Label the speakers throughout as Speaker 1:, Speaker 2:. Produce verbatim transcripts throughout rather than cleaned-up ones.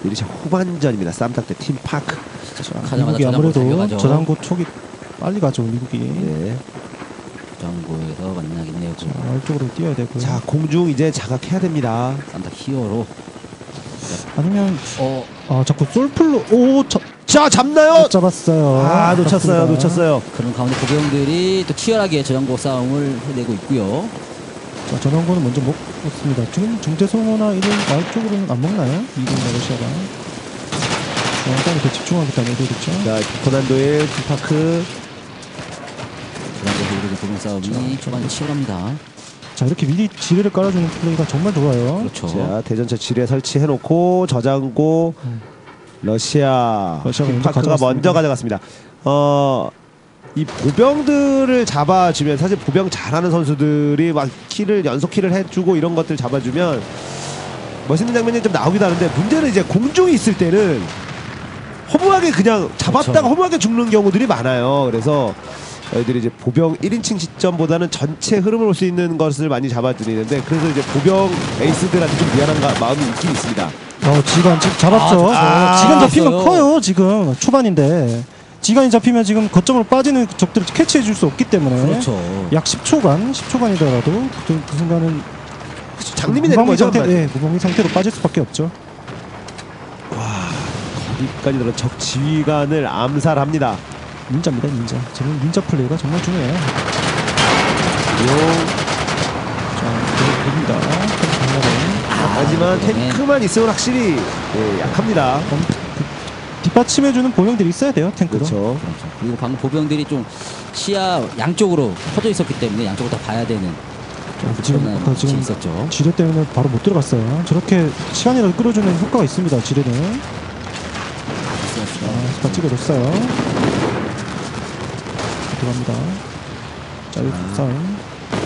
Speaker 1: 이제 후반전입니다. 쌈딱 대 팀파크.
Speaker 2: 미국이 아무래도 저장고 촉이 빨리 가죠. 미국이.
Speaker 1: 네.
Speaker 3: 저장고에서 만나겠네요.
Speaker 2: 자, 이쪽으로 뛰어야 되고요.
Speaker 1: 자, 공중 이제 자각해야 됩니다.
Speaker 3: 쌈딱 히어로.
Speaker 2: 아니면
Speaker 3: 어,
Speaker 2: 아 자꾸 솔플로 오 자,
Speaker 1: 자, 잡나요?
Speaker 2: 못 잡았어요.
Speaker 1: 아, 놓쳤어요.
Speaker 2: 아깝습니다.
Speaker 1: 놓쳤어요.
Speaker 3: 그런 가운데 보병들이 또 치열하게 저장고 싸움을 해내고 있고요.
Speaker 2: 자, 저장고는 먼저 먹었습니다. 지금 중대소모나 이런 마을 쪽으로는 안 먹나요? 이동 러시아가. 중앙까지 더 집중하겠다는 의도겠죠.
Speaker 1: 자, 고난도의 팀파크.
Speaker 3: 저장고에서 이루어진 보병 싸움이 초반에 치열합니다.
Speaker 2: 자, 이렇게 미리 지뢰를 깔아주는 플레이가 정말 좋아요.
Speaker 3: 그렇죠.
Speaker 1: 자, 대전차 지뢰 설치해놓고 저장고
Speaker 2: 음.
Speaker 1: 러시아
Speaker 2: 러시아가 먼저
Speaker 1: 팀파크가
Speaker 2: 가져갔습니다.
Speaker 1: 먼저 가져갔습니다. 어, 이 보병들을 잡아주면 사실 보병 잘하는 선수들이 막 킬을 연속 킬을 해주고 이런 것들 잡아주면 멋있는 장면이 좀 나오기도 하는데 문제는 이제 공중에 있을 때는 허무하게 그냥 잡았다가
Speaker 3: 그렇죠.
Speaker 1: 허무하게 죽는 경우들이 많아요. 그래서 저희들이 이제 보병 일 인칭 시점보다는 전체 흐름을 볼 수 있는 것을 많이 잡아드리는데 그래서 이제 보병 에이스들한테 좀 미안한 가, 마음이 있긴 있습니다.
Speaker 2: 어, 지간 지금 잡았죠.
Speaker 1: 아,
Speaker 2: 지간
Speaker 3: 아,
Speaker 2: 잡히면
Speaker 3: 잡았어요.
Speaker 2: 커요. 지금 초반인데 지간이 잡히면 지금 거점으로 빠지는 적들을 캐치해 줄 수 없기 때문에
Speaker 3: 그렇죠.
Speaker 2: 약 십 초간, 십 초간이더라도 그, 그 순간은
Speaker 1: 장님이 되는
Speaker 2: 무방비
Speaker 1: 거죠.
Speaker 2: 상태, 예, 무방비 상태로 빠질 수밖에 없죠.
Speaker 1: 거기까지 들어 적 지휘관을 암살합니다.
Speaker 2: 닌자입니다, 닌자. 지금 닌자 플레이가 정말 중요해요. 자, 됩니다.
Speaker 1: 하지만 탱크만 있으면 확실히 예, 약합니다.
Speaker 2: 뒷받침해주는 보병들이 있어야 돼요, 탱크로.
Speaker 1: 그렇죠.
Speaker 3: 그렇죠. 그리고 방금 보병들이 좀 시야 양쪽으로 퍼져 있었기 때문에 양쪽을 다 봐야 되는
Speaker 2: 자, 지금,
Speaker 3: 그런
Speaker 2: 아까 지금
Speaker 3: 있었죠.
Speaker 2: 지뢰 때문에 바로 못 들어갔어요. 저렇게 시간이라도 끌어주는 효과가 있습니다, 지뢰는. 자, 스파 찍어줬어요. 들어갑니다. 자, 여기 싸움.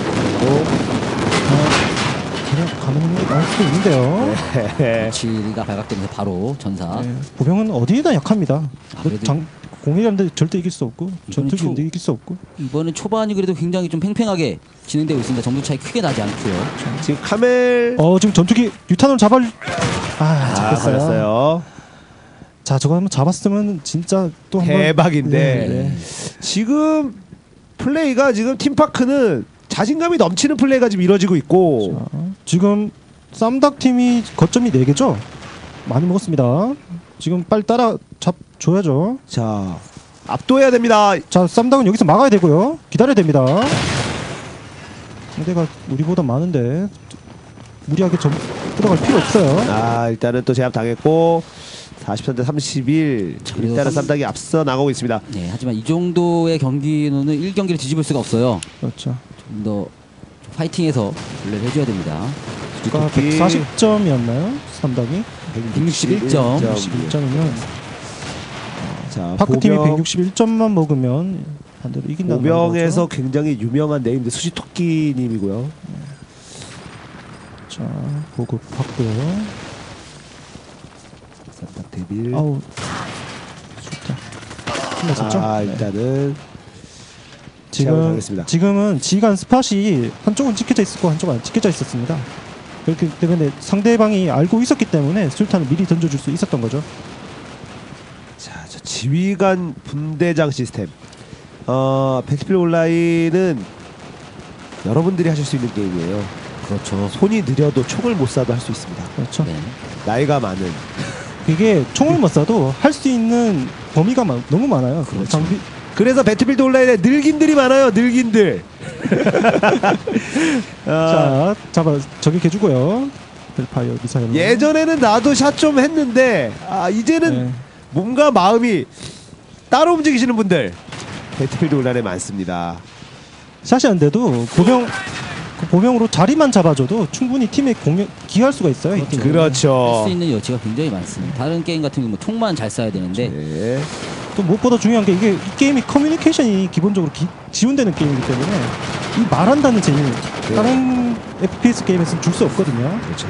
Speaker 2: 어, 그냥 가는 게 나올 수도 있는데요.
Speaker 1: 네.
Speaker 3: 치리가 발각되면서 바로 전사.
Speaker 2: 네, 보병은 어디에나 약합니다.
Speaker 3: 그래도-
Speaker 2: 장, 공일한데 절대 이길 수 없고 전투기인데
Speaker 3: 초-
Speaker 2: 이길 수 없고.
Speaker 3: 이번엔 초반이 그래도 굉장히 좀 팽팽하게 진행되고 있습니다. 점수 차이 크게 나지 않고요.
Speaker 1: 지금 카멜
Speaker 2: 어, 지금 전투기 유탄을 잡아. 아,
Speaker 1: 아,
Speaker 2: 잡혔어요.
Speaker 1: 걸렸어요.
Speaker 2: 자, 저거 한번 잡았으면 진짜 또 한번
Speaker 1: 대박인데
Speaker 2: 네, 네.
Speaker 1: 지금 플레이가 지금 팀파크는 자신감이 넘치는 플레이가 지금 이루어지고 있고
Speaker 2: 자, 지금 쌈닭 팀이 거점이 네 개죠? 많이 먹었습니다. 지금 빨리 따라 잡줘야죠.
Speaker 1: 자 압도해야 됩니다.
Speaker 2: 자, 쌈닭은 여기서 막아야 되고요. 기다려야 됩니다. 상대가 우리보다 많은데 무리하게 점 들어갈 필요 없어요.
Speaker 1: 아 일단은 또 제압 당했고 사십삼 대 삼십일
Speaker 3: 그래도
Speaker 1: 일단은
Speaker 3: 쌈-
Speaker 1: 쌈닭이 앞서 나가고 있습니다.
Speaker 3: 네, 하지만 이 정도의 경기는 일 경기를 뒤집을 수가 없어요.
Speaker 2: 그렇죠.
Speaker 3: 좀 더 파이팅해서 플레이를 해줘야 됩니다.
Speaker 2: 아까 백사십 점이었나요? 쌈닭이?
Speaker 3: 백육십일 점.
Speaker 2: 백육십일 점이면
Speaker 1: 자
Speaker 2: 파크팀이
Speaker 1: 보병,
Speaker 2: 백육십일 점만 먹으면 반대로 이긴다는
Speaker 1: 보병에서
Speaker 2: 거죠.
Speaker 1: 굉장히 유명한 네임드 수지토끼님이고요.
Speaker 2: 자, 보급 받고요.
Speaker 1: 쌈닭 데빌.
Speaker 2: 아우, 좋다. 힘났었죠?
Speaker 1: 아
Speaker 2: 네.
Speaker 1: 일단은 제압을
Speaker 2: 지금
Speaker 1: 당했습니다.
Speaker 2: 지금은 지간 스팟이 한쪽은 찍혀져 있었고 한쪽은 안 찍혀져 있었습니다. 그렇기 때문에 상대방이 알고 있었기 때문에 술탄을 미리 던져줄 수 있었던 거죠.
Speaker 1: 자, 저 지휘관 분대장 시스템. 어, 배틀필드 온라인은 여러분들이 하실 수 있는 게임이에요.
Speaker 3: 그렇죠.
Speaker 1: 손이 느려도 총을 못 쏴도 할 수 있습니다.
Speaker 2: 그렇죠.
Speaker 3: 네.
Speaker 1: 나이가 많은.
Speaker 2: 이게 총을 못 쏴도 할 수 있는 범위가 마, 너무 많아요.
Speaker 1: 그렇죠.
Speaker 2: 장비
Speaker 1: 그래서 배틀필드 온라인에 늙인들이 많아요. 늙인들. 아,
Speaker 2: 자, 잡아 저기 개주고요. 벨파이어 미사일.
Speaker 1: 예전에는 나도 샷 좀 했는데 아 이제는
Speaker 2: 네.
Speaker 1: 몸과 마음이 따로 움직이시는 분들 배틀필드 온라인에 많습니다.
Speaker 2: 샷이 안 돼도 보병 그 보병으로 자리만 잡아줘도 충분히 팀에 공격 기여할 수가 있어요. 이 팀은.
Speaker 3: 할
Speaker 1: 그렇죠.
Speaker 3: 수 있는 여지가 굉장히 많습니다. 다른 게임 같은 경우 뭐 총만 잘 쏴야 되는데
Speaker 1: 네.
Speaker 2: 또 무엇보다 중요한 게 이게 이 게임이 커뮤니케이션이 기본적으로 기, 지원되는 게임이기 때문에 이 말한다는 재미 다른 에프피에스 게임에서는 줄 수 없거든요.
Speaker 1: 그렇죠.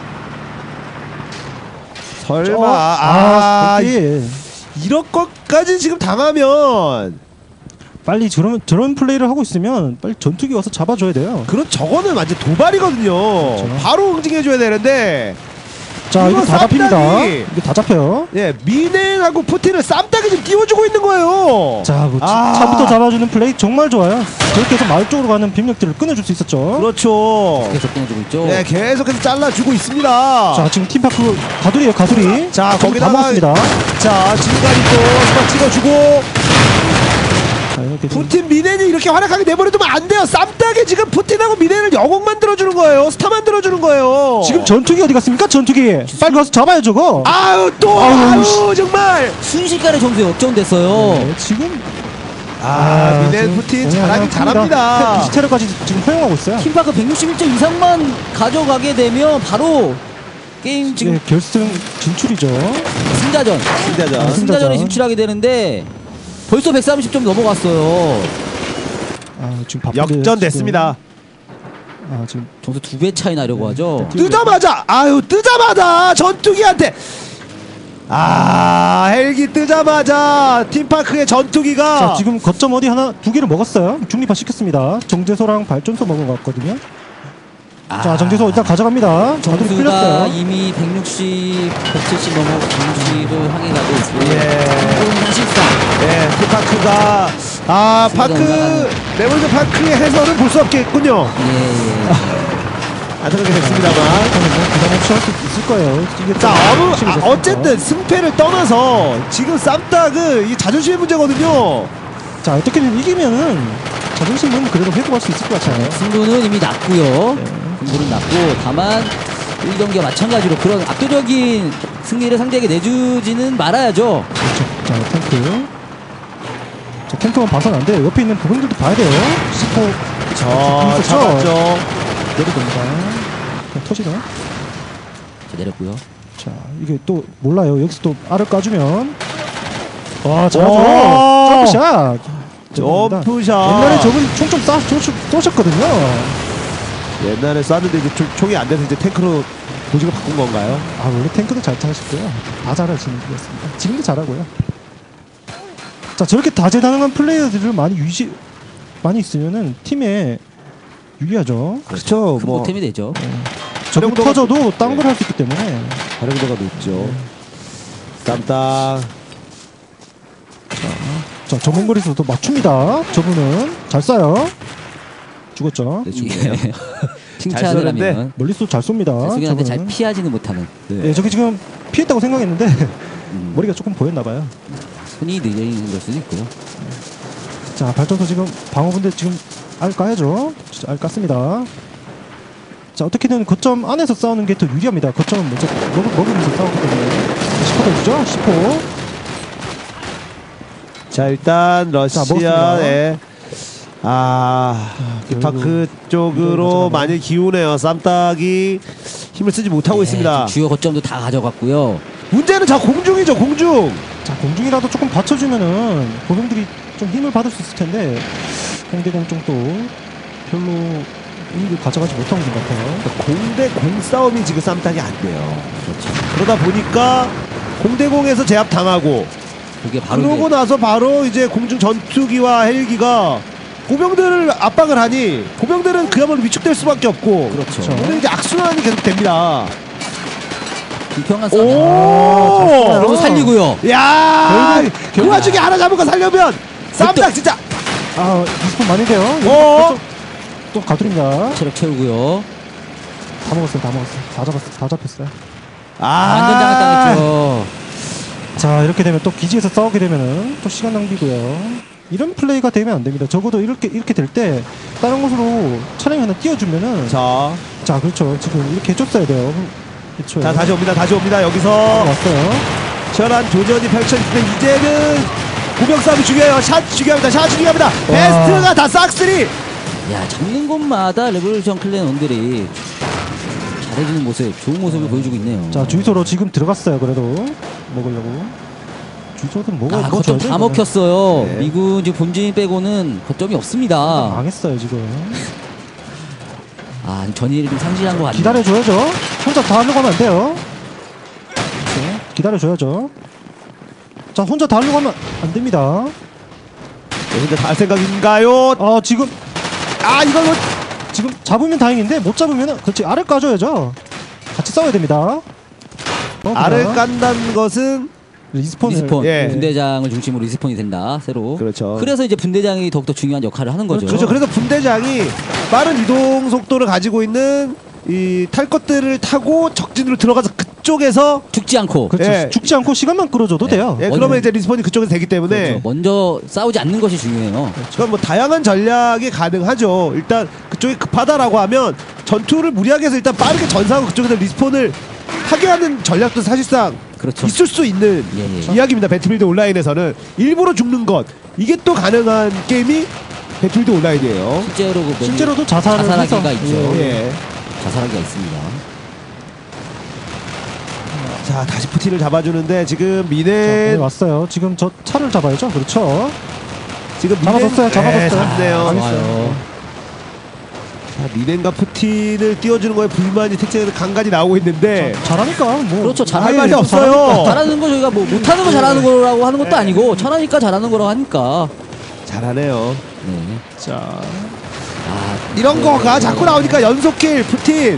Speaker 1: 설마
Speaker 2: 어,
Speaker 1: 아,
Speaker 2: 아, 거기
Speaker 1: 이런 것까지 지금 당하면
Speaker 2: 빨리 저런 저런 플레이를 하고 있으면 빨리 전투기 와서 잡아줘야 돼요.
Speaker 1: 그런 저거는 완전 도발이거든요.
Speaker 2: 그렇죠.
Speaker 1: 바로 응징해줘야 되는데
Speaker 2: 자 이거 다 잡힙니다.
Speaker 1: 쌈딱이.
Speaker 2: 이게 다 잡혀요.
Speaker 1: 예, 미넨하고 푸틴을 쌈딱이 지금 띄워주고 있는 거예요.
Speaker 2: 자, 뭐
Speaker 1: 아.
Speaker 2: 차부터 잡아주는 플레이 정말 좋아요. 저렇게 해서 마을 쪽으로 가는 병력들을 끊어줄 수 있었죠.
Speaker 1: 그렇죠.
Speaker 3: 계속 끊어주고 있죠.
Speaker 1: 네, 계속해서 잘라주고 있습니다.
Speaker 2: 자, 지금 팀파크 가두리에요, 가두리.
Speaker 1: 자,
Speaker 2: 다
Speaker 1: 거기다가
Speaker 2: 먹었습니다.
Speaker 1: 자, 지금까지 또 스파 찍어주고
Speaker 2: 자, 이렇게 좀-
Speaker 1: 푸틴 미넨이 이렇게 활약하게 내버려두면 안 돼요. 쌈딱에 지금 푸틴하고 미넨을 영웅 만들어주는 거예요. 스타 만들어주는 거예요.
Speaker 2: 지금 전투기 어디 갔습니까? 전투기. 빨리 가서 잡아요, 저거.
Speaker 1: 아유 또
Speaker 2: 아유,
Speaker 1: 아유,
Speaker 2: 씨.
Speaker 1: 정말
Speaker 3: 순식간에 점수에 역전됐어요.
Speaker 2: 네, 지금
Speaker 1: 아, 미넨
Speaker 2: 지금
Speaker 1: 푸틴
Speaker 2: 그냥
Speaker 1: 잘하긴
Speaker 2: 그냥
Speaker 1: 잘합니다.
Speaker 2: 비스테르까지 지금 허용하고 있어요.
Speaker 3: 팀파크 백육십일 점 이상만 가져가게 되면 바로 게임 지금
Speaker 2: 네, 결승 진출이죠.
Speaker 3: 승자전
Speaker 1: 승자전.
Speaker 2: 아,
Speaker 3: 승자전에
Speaker 2: 승자전.
Speaker 3: 진출하게 되는데 벌써 백삼십 점 넘어갔어요.
Speaker 2: 아, 지금 바쁜데
Speaker 1: 역전됐습니다.
Speaker 2: 지금, 아, 지금
Speaker 3: 점수 두 배 차이 나려고 하죠.
Speaker 1: 뜨자마자 아유 뜨자마자 전투기한테 아 헬기 뜨자마자 팀파크의 전투기가
Speaker 2: 자, 지금 거점 어디 하나 두 개를 먹었어요. 중립화 시켰습니다. 정제소랑 발전소 먹은 것 같거든요. 자, 정제소 일단 가져갑니다. 자들이
Speaker 3: 점수가
Speaker 2: 풀렸어요.
Speaker 3: 이미 백육십, 백칠십 넘어 백육십을 향해 가고 있고요.
Speaker 1: 예.
Speaker 3: 사실상
Speaker 1: 네, 팀파크가 아 파크 레몬드 파크의 해설은 볼 수 없겠군요.
Speaker 3: 예, 예.
Speaker 1: 안타깝게 됐습니다만.
Speaker 2: 뭐 부담 없이 할 수 있을 거예요. 이게
Speaker 1: 자,
Speaker 2: 좀
Speaker 1: 어느,
Speaker 2: 욕심이
Speaker 1: 아,
Speaker 2: 있었으니까.
Speaker 1: 어쨌든 승패를 떠나서 지금 쌈딱은 이 자존심의 문제거든요.
Speaker 2: 자, 어떻게든 이기면은 자존심은 그래도 회복할 수 있을 것 같아요.
Speaker 3: 승부는 이미 났고요.
Speaker 2: 네.
Speaker 3: 승부는 났고 다만 일 경기와 마찬가지로 그런 압도적인 승리를 상대에게 내주지는 말아야죠.
Speaker 2: 그렇죠. 자, 탱크. 자, 탱크만 봐서는 안 돼요. 옆에 있는 부분들도 봐야 돼요. 시포
Speaker 1: 저
Speaker 2: 있었죠?
Speaker 1: 잡았죠.
Speaker 2: 내려갑니다. 그냥 터지네.
Speaker 3: 자, 내렸고요.
Speaker 2: 자, 이게 또 몰라요. 여기서 또 알을 까주면 와,
Speaker 1: 오!
Speaker 2: 잘하죠. 점프샷.
Speaker 1: 점프샷.
Speaker 2: 옛날에 저분 총좀 쏴 쏘셨거든요.
Speaker 1: 옛날에 쐈는데 이제 총- 총이 안 돼서 이제 탱크로 보직을 바꾼 건가요?
Speaker 2: 아, 원래 탱크도 잘 타시고요. 다 잘하시는 분이었습니다. 지금도 잘하고요. 자, 저렇게 다재다능한 플레이어들을 많이 유지 많이 있으면은 팀에 유리하죠.
Speaker 1: 그렇죠.
Speaker 3: 큰 보탬이 되죠.
Speaker 2: 저기
Speaker 1: 활용도가-
Speaker 2: 터져도 딴
Speaker 1: 네.
Speaker 2: 걸 할 수 있기 때문에.
Speaker 1: 활용도가 높죠. 쌈딱.
Speaker 2: 자, 전문 거리에서도 맞춥니다. 저분은 잘 쏴요. 죽었죠.
Speaker 1: 네, 죽네요.
Speaker 3: 예. 칭찬을
Speaker 1: 쏘는데.
Speaker 3: 하면
Speaker 2: 멀리서 잘 쏩니다.
Speaker 3: 쏘긴 하는데 잘
Speaker 2: 저분은.
Speaker 3: 피하지는 못하는
Speaker 2: 네, 저기 지금 피했다고 생각했는데
Speaker 3: 음,
Speaker 2: 머리가 조금 보였나 봐요.
Speaker 3: 손이 느려 있는 걸 수도 있고요.
Speaker 2: 자, 발전소 지금 방어분대 지금 알 까야죠. 진짜 알 깠습니다. 자, 어떻게든 거점 안에서 싸우는 게 더 유리합니다. 거점은 먼저 먹, 먹으면서 싸우기 때문에. 십 호 던지죠? 십 호.
Speaker 1: 자, 일단
Speaker 2: 먹었습니다.
Speaker 1: 러시아의 아, 팀파크 쪽으로 많이 기우네요. 쌈딱이 힘을 쓰지 못하고
Speaker 3: 예,
Speaker 1: 있습니다.
Speaker 3: 지금 주요 거점도 다 가져갔고요.
Speaker 1: 문제는 저 공중이죠, 공중.
Speaker 2: 자, 공중이라도 조금 받쳐주면은 보병들이 좀 힘을 받을 수 있을 텐데 공대공 쪽도 별로 이익을 가져가지 못하고 있는 것 같아요.
Speaker 1: 공대 공 싸움이 지금 쌈딱이 안 돼요. 그렇죠. 그러다 보니까 공대공에서 제압 당하고
Speaker 3: 그게 바로
Speaker 1: 그러고
Speaker 3: 이제
Speaker 1: 나서 바로 이제 공중 전투기와 헬기가 보병들을 압박을 하니 보병들은 그야말로 위축될 수밖에 없고
Speaker 3: 그렇죠.
Speaker 1: 오늘 이제 악순환이 계속 됩니다.
Speaker 3: 불평한 싸움.
Speaker 1: 오,
Speaker 3: 그러고 살리고요.
Speaker 1: 야,
Speaker 2: 결국-
Speaker 1: 그
Speaker 2: 결국-
Speaker 1: 와중에 하나 잡은 거 살려면 쌈딱 진짜.
Speaker 2: 아, 이십 분 많이 돼요. 여기
Speaker 1: 어?
Speaker 2: 벌써 또 가두립니다.
Speaker 3: 체력 채우고요.
Speaker 2: 다 먹었어요, 다 먹었어요. 다 잡았어요, 다 잡혔어요.
Speaker 3: 완전 장악 당했죠.
Speaker 2: 자, 이렇게 되면 또 기지에서 싸우게 되면은 또 시간 낭비고요. 이런 플레이가 되면 안 됩니다. 적어도 이렇게 이렇게 될 때 다른 곳으로 차량이 하나 띄워주면은 자,
Speaker 1: 자,
Speaker 2: 그렇죠. 지금 이렇게 해줬어야 돼요. 그렇죠.
Speaker 1: 자 다시 옵니다. 다시 옵니다. 여기서
Speaker 2: 왔어요.
Speaker 1: 치열한 교전이 펼쳐지는데 이제는 보병 싸움이 중요해요. 샷 중요합니다. 샷 중요합니다. 베스트가 다 싹쓸이.
Speaker 3: 야, 잡는 곳마다 레볼루션 클랜원들이 잘해주는 모습, 좋은 모습을 보여주고 있네요.
Speaker 2: 자, 주유소로 지금 들어갔어요. 그래도 먹으려고. 주유소는 뭐가
Speaker 3: 아,
Speaker 2: 뭐가
Speaker 3: 거점
Speaker 2: 줘야죠,
Speaker 3: 다
Speaker 2: 이거는.
Speaker 3: 먹혔어요.
Speaker 1: 네.
Speaker 3: 미군 지금 본진 빼고는 거점이 없습니다.
Speaker 2: 망했어요 지금.
Speaker 3: 아, 전의를 좀 상실한 것 같네요.
Speaker 2: 기다려줘야죠. 혼자 다 하려고 하면 안 돼요. 네, 기다려줘야죠. 자, 혼자 다 하려고 하면 안 됩니다.
Speaker 1: 근데 다 할 생각인가요?
Speaker 2: 아, 지금
Speaker 1: 아 이걸 뭐
Speaker 2: 지금 잡으면 다행인데 못 잡으면은 그렇지 알을 까줘야죠. 같이 싸워야 됩니다.
Speaker 1: 알을
Speaker 2: 그냥.
Speaker 1: 깐다는 것은
Speaker 2: 리스폰을
Speaker 3: 리스폰
Speaker 1: 예.
Speaker 3: 분대장을 중심으로 리스폰이 된다 새로.
Speaker 1: 그렇죠.
Speaker 3: 그래서 이제 분대장이 더욱더 중요한 역할을 하는 거죠.
Speaker 1: 그렇죠. 그래서 분대장이 빠른 이동 속도를 가지고 있는 이 탈 것들을 타고 적진으로 들어가서 그쪽에서
Speaker 3: 죽지 않고
Speaker 2: 그렇죠.
Speaker 1: 예.
Speaker 2: 죽지 않고 시간만 끌어줘도 돼요.
Speaker 1: 예,
Speaker 3: 먼저-
Speaker 1: 그러면 이제 리스폰이 그쪽에서 되기 때문에
Speaker 3: 그렇죠. 먼저 싸우지 않는 것이 중요해요.
Speaker 1: 그럼 뭐 다양한 전략이 가능하죠. 일단 그쪽이 급하다라고 하면 전투를 무리하게 해서 일단 빠르게 전사하고 그쪽에서 리스폰을 하게 하는 전략도 사실상
Speaker 3: 그렇죠.
Speaker 1: 있을 수 있는
Speaker 3: 예, 예.
Speaker 1: 이야기입니다. 배틀필드 온라인에서는 일부러 죽는 것 이게 또 가능한 게임이 배틀필드 온라인이에요.
Speaker 3: 실제로 그
Speaker 2: 실제로도 자살을
Speaker 3: 자살하기가
Speaker 2: 해서-
Speaker 3: 있죠.
Speaker 2: 예.
Speaker 1: 예.
Speaker 3: 자살하기가 있습니다.
Speaker 1: 자 다시 푸틴을 잡아주는데 지금
Speaker 2: 자,
Speaker 1: 미네
Speaker 2: 네, 왔어요. 지금 저 차를 잡아야죠. 그렇죠.
Speaker 1: 지금
Speaker 2: 잡아뒀어요, 잡아뒀어요.
Speaker 1: 네, 잡네요.
Speaker 2: 아,
Speaker 3: 좋아요.
Speaker 1: 자, 미넨과 푸틴을 띄워주는 거에 불만이 택체에서 간간히 나오고 있는데
Speaker 2: 잘하니까 뭐
Speaker 3: 그렇죠.
Speaker 1: 할
Speaker 3: 잘하는
Speaker 1: 말이
Speaker 3: 거
Speaker 1: 없어요.
Speaker 3: 잘하는 거 저희가 뭐 못하는 거 잘하는 거라고 하는 것도 아니고 잘하니까 잘하는 거라고 하니까.
Speaker 1: 잘하네요.
Speaker 3: 네.
Speaker 2: 자,
Speaker 3: 아,
Speaker 1: 이런
Speaker 3: 네.
Speaker 1: 거가 자꾸 나오니까 연속킬 푸틴.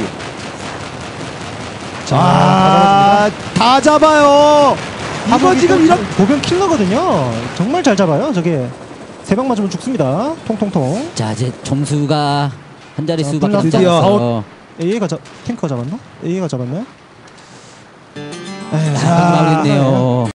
Speaker 2: 자,
Speaker 1: 아, 다 잡아요. 이거
Speaker 2: 하복이
Speaker 1: 지금
Speaker 2: 또
Speaker 1: 이런
Speaker 2: 보병 킬러거든요. 정말 잘 잡아요. 저게 세 방 맞으면 죽습니다. 통통통.
Speaker 3: 자 이제 점수가 한 자리
Speaker 2: 자,
Speaker 3: 수밖에 남지
Speaker 1: 드디어
Speaker 3: 않았어요.
Speaker 2: 에이가 잡 탱커가 잡았나? 에이가 잡았나요? 에이,
Speaker 3: 아, 마무리했네요.